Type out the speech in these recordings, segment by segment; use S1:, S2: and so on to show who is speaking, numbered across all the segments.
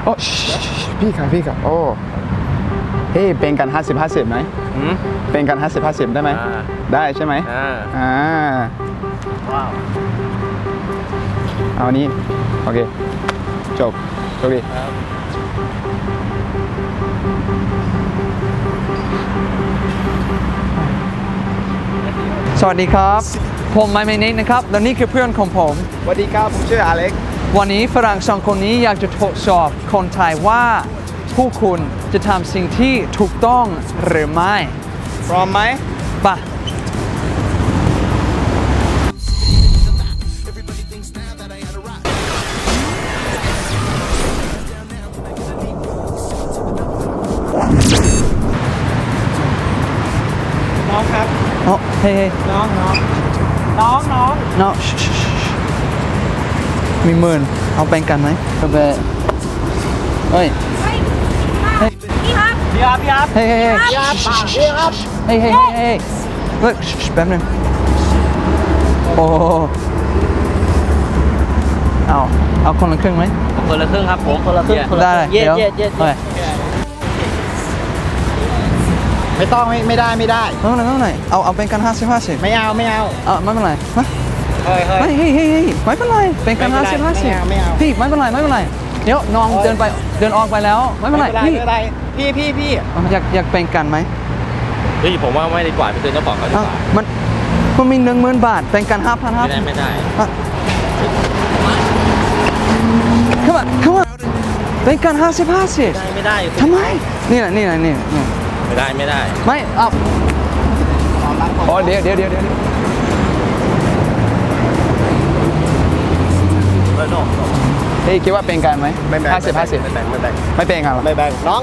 S1: โอ้พี่ครับโอ้เฮ้เป็นกัน50-50ไหมเป็นกัน50-50ได้ไหมได้ใช่ไหม
S2: ว้าว
S1: เอานี้โอเคจบโชคดี
S3: สวัสดีครับผมไมค์เนทนะครับและนี่คือเพื่อนของผม
S1: สวัสดีครับผมชื่ออเล็ก
S3: วันนี้ฝรั่งสองคนนี้อยากจะทดสอบคนไทยว่าผู้คุณจะทำสิ่งที่ถูกต้องหรือไม่
S1: พร้อมไหม
S3: ป่ะ
S2: น้องครับ
S3: อ๋อเฮ้ย
S2: น้อง
S3: มีหมื่นเอาแบ่งกันไหมก็แบ่งเฮ้ย
S2: พี่ครับ
S3: เฮ้ย
S2: พี่ครับ
S3: เฮ้ยเฮ้ยแป๊บนึงโอ้เอาคนละครึ่งไหม
S2: คนละครึ่งครับผมคนละครึ่ง
S3: ได้เดี๋ยว
S1: ไม่ต้องไม่ได้
S3: ไม่เป็นไรเอาเป็นกัน50-50
S1: ไม่เอา
S3: ไม่เป็นไร
S1: เฮ้ย
S3: ไม่เป็นไรเป็นกัน50-50
S1: ไม่เอา
S3: พี่ไม่เป็นไรเดี๋ยวน้องเดินออกไปแล้วไม่เป็นไร
S1: พี่
S3: อยากเป็นกันไหม
S2: พี่ผมว่าไม่ดีกว่าไปซื้อเจ้าของเขาดีกว่า
S3: มันมี10,000 บาทเป็นกัน5,000
S2: ไม่ได้
S3: come on เป็นกัน50-50
S2: ไม่ได้
S3: ทำไมนี่แหละ
S2: ไม่ได้
S3: ไม่เอา
S1: อ๋อเดี๋ยวเฮ้ยคิดว่าเป็นกันไหม50-50ไม่เป็นกันหรอ
S2: ไม่แบ่งน้อง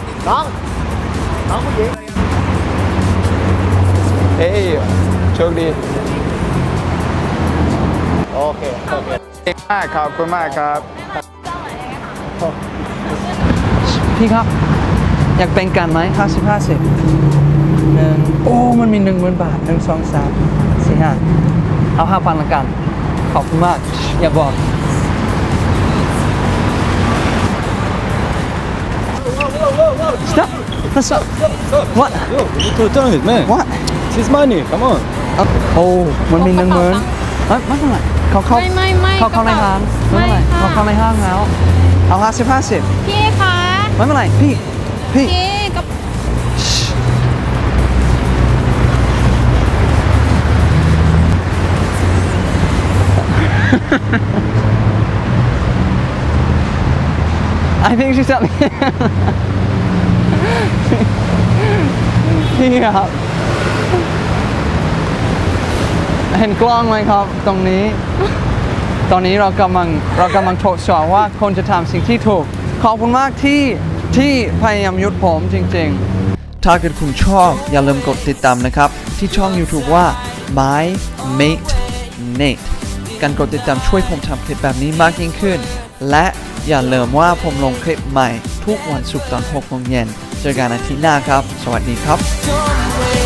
S2: ผู้หญิง
S1: เฮ้ยโชคดี
S2: โอเค
S1: ขอบคุณมากครับ
S3: พี่ครับอยากเป็นกันไหม50-50โอ้มันมี10,000 บาท1 2 3 4 5เอา5,000ละกันขอบคุณมากอย่าบอกStop. What?
S4: Yo, you need to return it, man.
S3: What?
S4: It's his money. Come on.
S3: โอ้มันมี10,000ไม่เป็นไรเขาเข้าในห้างไม่เป็นไรเขาเข้าในห้างแล้วเอา50-50
S5: พี่คะ
S3: ไม่เป็นไรพี่
S5: กับ
S3: I think she's up พี่ครับเห็นกล้องไหมครับตรงนี้ตอนนี้เรากำลังทดสอบว่าคนจะทำสิ่งที่ถูกขอบคุณมากที่พยายามหยุดผมจริงๆถ้าเกิดคุณชอบอย่าลืมกดติดตามนะครับที่ช่อง YouTube ว่า My Mate Nate การกดติดตามช่วยผมทำคลิปแบบนี้มากยิ่งขึ้นและอย่าลืมว่าผมลงคลิปใหม่ทุกวันศุกร์ตอน 6 โมงเย็นเจอกันอาทิตย์หน้าครับสวัสดีครับ